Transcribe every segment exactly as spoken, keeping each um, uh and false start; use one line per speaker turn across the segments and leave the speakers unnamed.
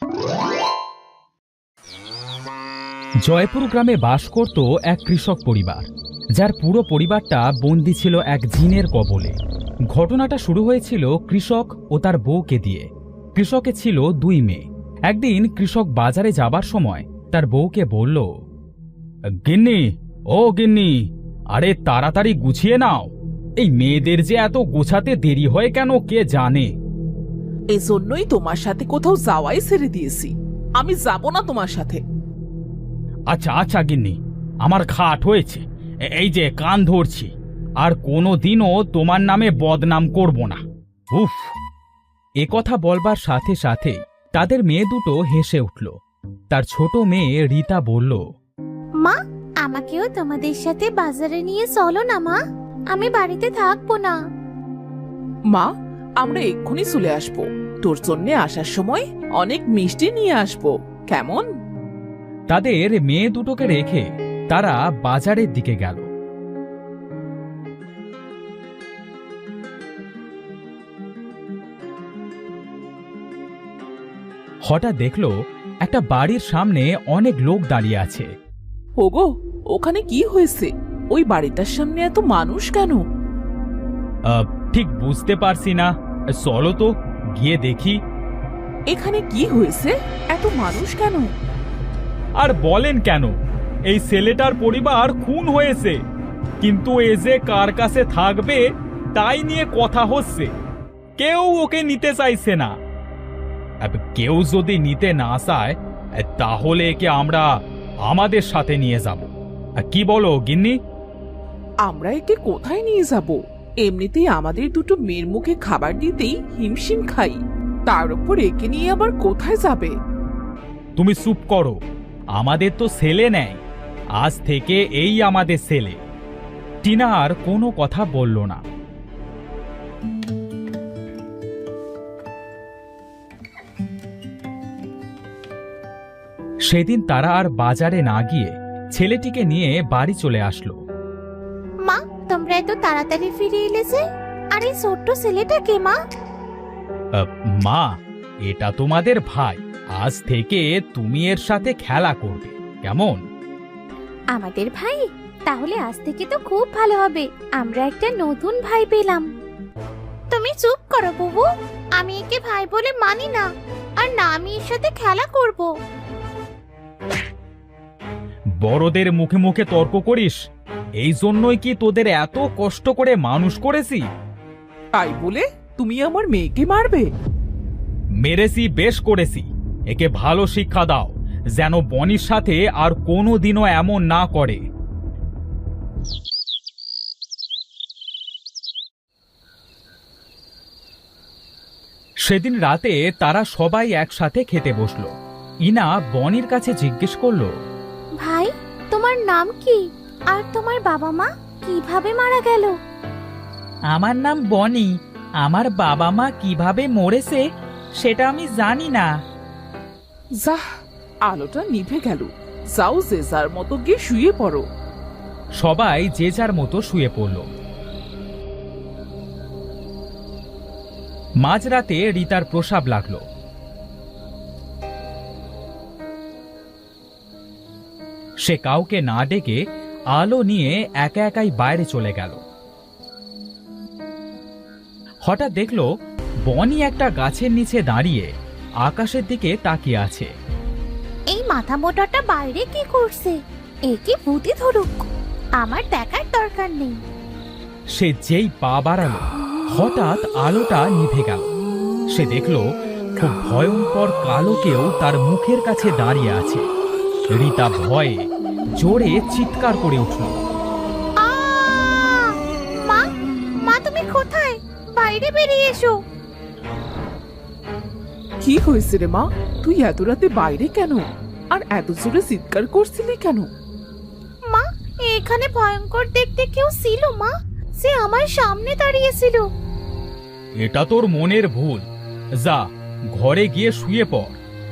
জয়পুর গ্রামে বাস করত এক কৃষক পরিবার, যার পুরো পরিবারটা বন্দী ছিল এক জিনের কবলে। ঘটনাটা শুরু হয়েছিল কৃষক ও তার বউকে দিয়ে। কৃষকে ছিল দুই মেয়ে। একদিন কৃষক বাজারে যাবার সময় তার বউকে বলল, গিন্নি, ও গিন্নি, আরে তাড়াতাড়ি গুছিয়ে নাও, এই মেয়েদের যে এত গোছাতে দেরি হয় কেন কে জানে।
এজন্যই তোমার সাথে কোথাও যাওয়াই ছেড়ে দিয়েছি। আমি যাব না তোমার সাথে।
আচ্ছা আচ্ছা গিন্নি, আমার খাট হয়েছে, এই যে কান ধরছি, আর কোনো দিনও তোমার নামে বদনাম করব না। উফ! এ কথা বলবার সাথে সাথে তাদের মেয়ে দুটো হেসে উঠল। তার ছোট মেয়ে রীতা বলল,
মা, আমাকেও তোমাদের সাথে বাজারে নিয়ে চলো না মা, আমি বাড়িতে থাকবো না।
মা, আমরা এক্ষুনি চলে আসবো। তোর জন্য আসার সময় অনেক মিষ্টি নিয়ে আসবো, কেমন?
তাদের মেয়ে দুটোকে রেখে তারা বাজারের দিকে গেল। হঠাৎ দেখলো একটা বাড়ির সামনে অনেক লোক দাঁড়িয়ে আছে।
ওগো, ওখানে কি হয়েছে? ওই বাড়িটার সামনে এত মানুষ কেন?
আহ, ঠিক বুঝতে পারছি না, চলো তো গিয়ে দেখি।
এখানে কি হয়েছে? এত মানুষ কেন?
আর বলেন কেন, এই ছেলেটার পরিবার খুন হয়েছে, কিন্তু এ যে কার কাছে থাকবে তাই নিয়ে কথা হচ্ছে। কেউ ওকে নিতে চাইছে না। আব, কেউ যদি নিতে না চায় তাহলে একে আমরা আমাদের সাথে নিয়ে যাব। কি বলো গিন্নি?
আমরা একে কোথায় নিয়ে যাব? এমনিতেই আমাদের দুটো মেয়ের মুখে খাবার দিতেই হিমশিম খাই, তার উপর একে নিয়ে আবার কোথায় যাবে?
তুমি চুপ করো, আমাদের তো ছেলে নেই, আজ থেকে এই আমাদের ছেলে। টিনা আর কোনো কথা বলল না। সেদিন তারা আর বাজারে না গিয়ে ছেলেটিকে নিয়ে বাড়ি চলে আসলো।
মা, তোমরা এত তাড়াতাড়ি ফিরে এলে যে? আর এই ছোট্ট ছেলেটা কে মা?
আহ, মা, এটা তোমাদের ভাই। আজ থেকে তুমি এর সাথে খেলা করবে, কেমন?
আমাদের ভাই? তাহলে আজ থেকে তো খুব ভালো হবে, আমরা একটা নতুন ভাই পেলাম। তুমি চুপ করো বুবু, আমি একে ভাই বলে মানি না, আর না আমি এর সাথে খেলা করব।
বড়দের মুখে মুখে তর্ক করিস? এই জন্যই কি তোদের এত কষ্ট করে মানুষ করেছি?
তাই বলে তুমি আমার মেয়েকে মারবে?
মেরেছি, বেশ করেছি। একে ভালো শিক্ষা দাও, যেন বনির সাথে আর কোনো দিনও এমন না করে। সেদিন রাতে তারা সবাই একসাথে খেতে বসলো। ইনা বনির কাছে জিজ্ঞেস করলো,
ভাই, তোমার নাম কি? আর তোমার বাবা মা কিভাবে মারা গেল?
আমার নাম বনি। আমার বাবা মা কিভাবে মরেছে সেটা আমি জানি না।
যাহ, আলোটা নিভে গেল। যাও, যে যার মতো গিয়ে শুয়ে পড়ো।
সবাই যে যার মতো শুয়ে পড়ল। মাঝরাতে রীতার প্রস্রাব লাগলো। সে কাউকে না ডেকে আলো নিয়ে একা একাই বাইরে চলে গেল। হঠাৎ দেখলো বনি একটা গাছের নিচে দাঁড়িয়ে আকাশের দিকে তাকিয়ে আছে।
এই মাথা মোটাটা বাইরে কি করছে? একে ভূতি ধরুক, আমার দেখার দরকার নেই।
সে যেই পা বাড়ালো, হঠাৎ আলোটা নিভে গেল। সে দেখল খুব ভয়ঙ্কর কালো কেউ তার মুখের কাছে দাঁড়িয়ে আছে। রীতা ভয়ে জোরে চিৎকার করে উঠল।
আহ! মা, মা তুমি কোথায়? বাইরে বেরিয়ে এসো।
কি হয়েছে রে মা? তুই এত রাতে বাইরে কেন? আর এত জোরে চিৎকার করছিলি কেন?
মা, এখানে ভয়ঙ্কর দেখতে কেউ ছিল মা, সে আমার সামনে দাঁড়িয়েছিল।
এটা তোর মনের ভুল, যা ঘরে গিয়ে শুয়ে পড়।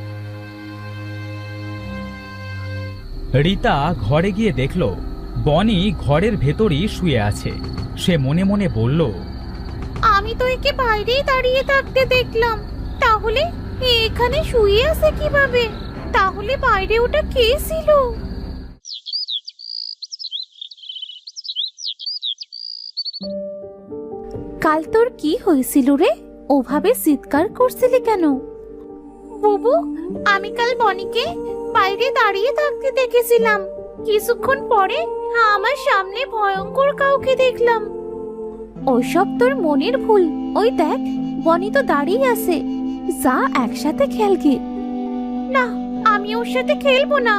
রীতা ঘরে গিয়ে দেখল বনি ঘরের ভেতরই শুয়ে আছে। সে মনে মনে বলল,
আমি তো একে বাইরেই দাঁড়িয়ে থাকতে দেখলাম, তাহলে এখানে শুয়ে আছে কিভাবে? তাহলে বাইরে ওটা কে ছিল? কাল তোর কি হয়েছিল রে? ওভাবে চিৎকার করছিলি কেন? বুবু, আমি কাল বনিকে বাইরে দাঁড়িয়ে থাকতে দেখেছিলাম। কিছুক্ষণ পরে আমার সামনে ভয়ঙ্কর কাউকে দেখলাম। ওইসব তোর মনের ভুল। ওই দেখ, বনি তো দাঁড়িয়ে আছে। যা একসাথে খেলগে। না, আমি ওর সাথে খেলবো না।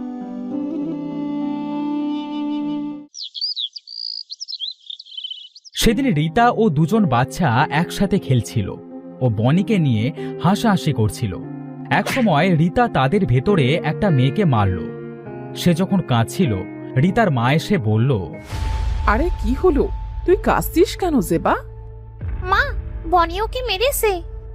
সেদিন রীতা ও দুজন বাচ্চা একসাথে খেলছিল ও বনিকে নিয়ে হাসাহাসি করছিল। একসময় রীতা তাদের ভেতরে একটা মেয়েকে মারল। সে যখন কাঁদছিল, রীতার মা এসে বলল,
আরে কি হলো? তুই কাঁদছিস কেন জেবা?
মা, বনি ওকে মেরেছে।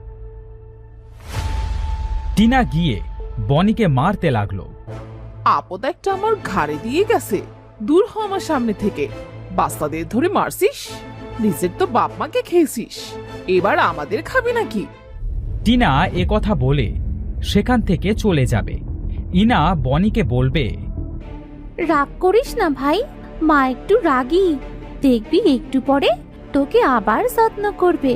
টিনা গিয়ে বনিকে মারতে লাগলো।
আপদ একটা আমার ঘাড়ে দিয়ে গেছে। দূর হ আমার সামনে থেকে। বাচ্চাদের ধরে মারছিস? নিজের তো বাপ মাকে খেয়েছিস, এবার আমাদের খাবি নাকি?
টিনা এ কথা বলে সেখান থেকে চলে যাবে। ইনা বনিকে বলবে,
রাগ করিস না ভাই, মা একটু রাগী। দেখবি একটু পরে তোকে আবার যত্ন করবে।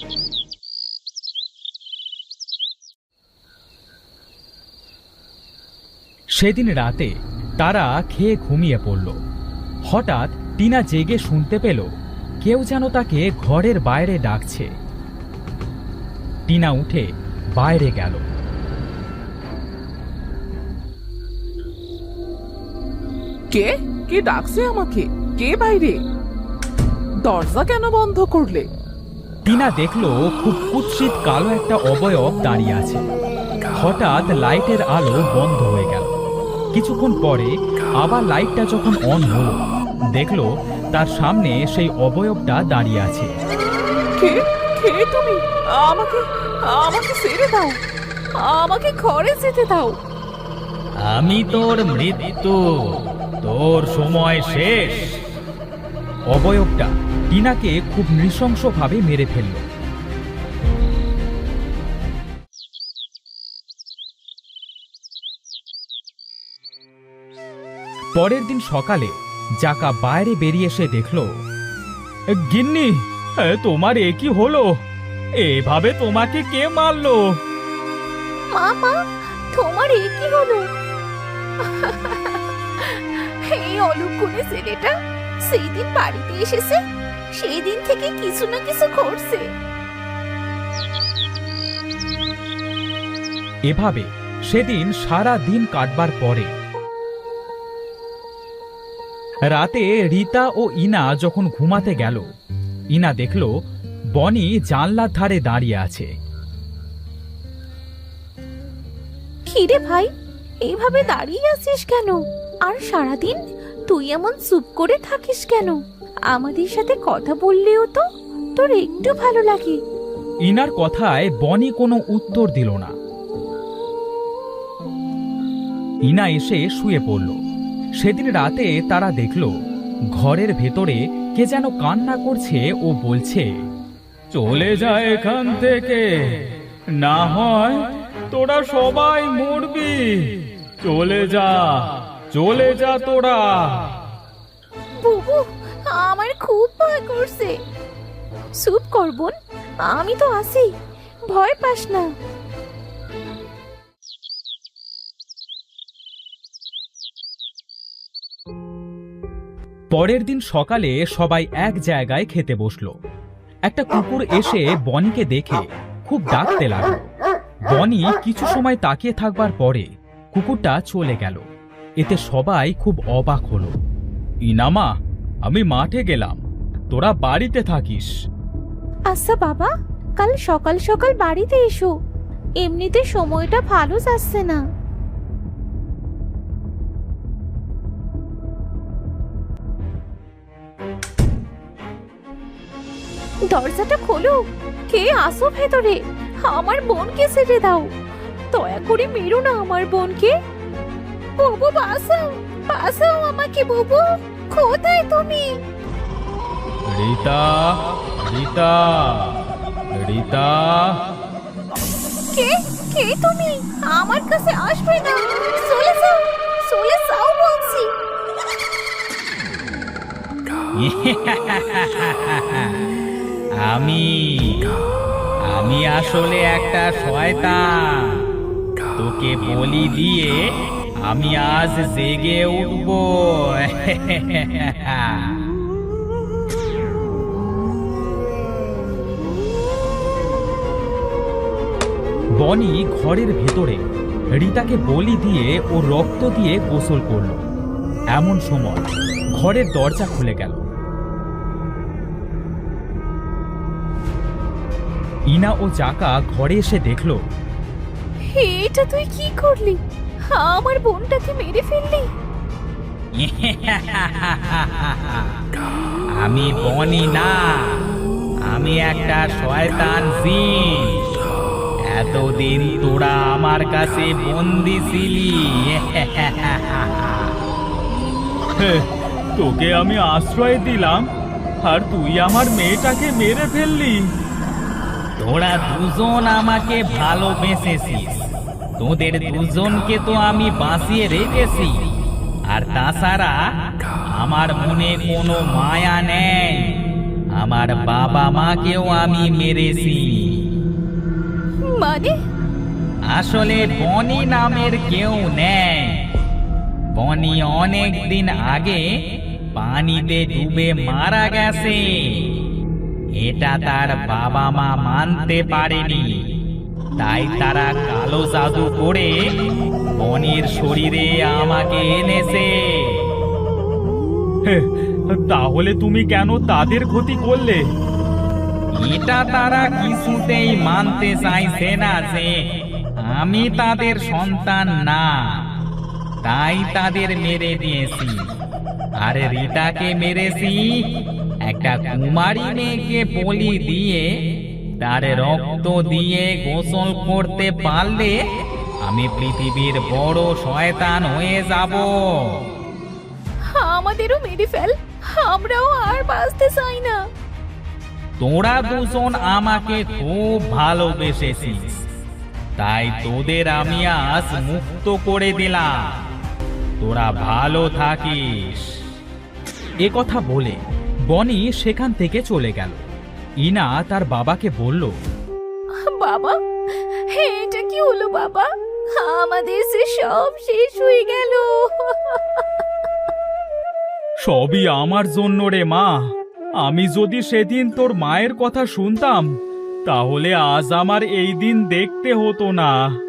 সেদিন রাতে তারা খেয়ে ঘুমিয়ে পড়ল। হঠাৎ টিনা জেগে শুনতে পেল কেউ যেন তাকে ঘরের বাইরে ডাকছে। টিনা উঠে বাইরে গেল।
কে কে ডাকছে আমাকে? কে বাইরে? দরজা কেন বন্ধ করলে?
টিনা দেখলো খুব কুৎসিত কালো একটা অবয়ব দাঁড়িয়ে আছে। হঠাৎ লাইটের আলো বন্ধ হয়ে গেল। কিছুক্ষণ পরে আবার লাইটটা যখন অন হলো, দেখলো তার সামনে সেই অবয়বটা দাঁড়িয়ে আছে।
কে কে তুমি? আমাকে আমাকে ছেড়ে দাও। আমাকে ঘরে যেতে দাও।
আমি তোর মৃত্যু, তোর সময় শেষ। অবয়বটা টিনাকে খুব নৃশংসভাবে মেরে ফেলল। পরের দিন সকালে জাকা বাইরে বেরিয়ে এসে দেখল, গিন্নি, তোমার এ কি হলো? এভাবে তোমাকে কে মারলো?
মা, মা, তোমার এ কি হলো? এই অলুকুনে ছেলেটা সেই দিন বাড়িতে এসেছে, সেই দিন থেকে কিছু না কিছু করছে।
এভাবে সেদিন সারা দিন কাটবার পরে রাতে রীতা ও ইনা যখন ঘুমাতে গেল, ইনা দেখল বনি জানলার ধারে দাঁড়িয়ে আছে।
কিরে ভাই, এইভাবে দাঁড়িয়ে আছিস কেন? আর সারাদিন তুই এমন চুপ করে থাকিস কেন? আমাদের সাথে কথা বললেও তো তোর একটু ভালো লাগে।
ইনার কথায় বনি কোনো উত্তর দিল না। ইনা এসে শুয়ে পড়ল। সেদিন রাতে তারা দেখল ঘরের ভেতরে কে যেন কান্না করছে ও বলছে, চলে যা এখান থেকে, না হয় তোরা সবাই মরবি। চলে যা, চলে যা তোরা।
বুবু, আমার খুব ভয় করছে। চুপ কর বোন, আমি তো আছি, ভয় পাস না।
পরের দিন সকালে সবাই এক জায়গায় খেতে বসলো। একটা কুকুর এসে বনিকে দেখে খুব ডাকতে লাগলো। বনি কিছু সময় তাকিয়ে থাকবার পরে কুকুরটা চলে গেল। এতে সবাই খুব অবাক হলো। ইনামা, আমি মাঠে গেলাম, তোরা বাড়িতে থাকিস।
আচ্ছা বাবা, কাল সকাল সকাল বাড়িতে এসো, এমনিতে সময়টা ভালো যাচ্ছে না। দরজাটা খোলো, কে আসো ভেতরে? আমার বোনকে ছেড়ে দাও, দয়া করে মেরো না আমার বোনকে। বুবু, বাঁচাও, বাঁচাও আমাকে। বুবু, কোথায় তুমি?
রীতা, রীতা, রীতা।
কে? কে তুমি? আমার কাছে আসবে না, চলে যাও, চলে যাও বলছি।
আমি আমি আসলে একটা শয়তান। তোকে বলি দিয়ে আমি আজ জেগে উঠবো।
বনি ঘরের ভেতরে রিতাকে বলি দিয়ে ও রক্ত দিয়ে গোসল করল। এমন সময় ঘরের দরজা খুলে গেল। ইনা ও জাকা ঘরে এসে দেখল
এটা তুই কি করলি? আমার বোনটাকে মেরে ফেললি?
আমি বনি না, আমি একটা শয়তান জিন। এতদিন তোরা আমার কাছে বন্দি ছিলি।
তোকে আমি আশ্রয় দিলাম আর তুই আমার মেয়েটাকে মেরে ফেললি।
তোরা দুজন আমাকে ভালোবেসেছিস, তোদের দুজনকে তো আমি বাঁচিয়ে রেখেছি। আর তাছাড়া আমার মনে কোনো মায়া নেই, আমার বাবা মাকেও আমি মেরেছি।
মানে?
আসলে বনি নামের কেউ নেই। বনি অনেক দিন আগে পানিতে ডুবে মারা গেছে। এটা তার বাবা মা মানতে পারেনি, তাই তারা কালো জাদু করে বনির শরীরে আমাকে এনেছে।
তাহলে তুমি কেন তাদের ক্ষতি করলে?
এটা তারা কিছুতেই মানতে চাইছে না যে আমি তাদের সন্তান না, তাই তাদের মেরে দিয়েছি। আর রিতাকে মেরেছি একটা কুমারী মেয়েকে বলি দিয়ে। তার রক্ত দিয়ে গোসল করতে পারলে আমি পৃথিবীর বড় শয়তান হয়ে যাব।
আমাদেরও মেরে ফেল, আমরাও আর বাঁচতে চাই না।
তোরা দুজন আমাকে খুব ভালোবেসেছিস, তাই তোদের আমি আজ মুক্ত করে দিলাম। তোরা ভালো থাকিস।
এ কথা বলে বনি সেখান থেকে চলে গেল। ইনা তার বাবাকে বলল,
বাবা, এটা কি হলো বাবা? আমাদের যে সব শেষ হয়ে গেল।
সবই আমার জন্য রে মা। আমি যদি সেদিন তোর মায়ের কথা শুনতাম তাহলে আজ আমার এই দিন দেখতে হতো না।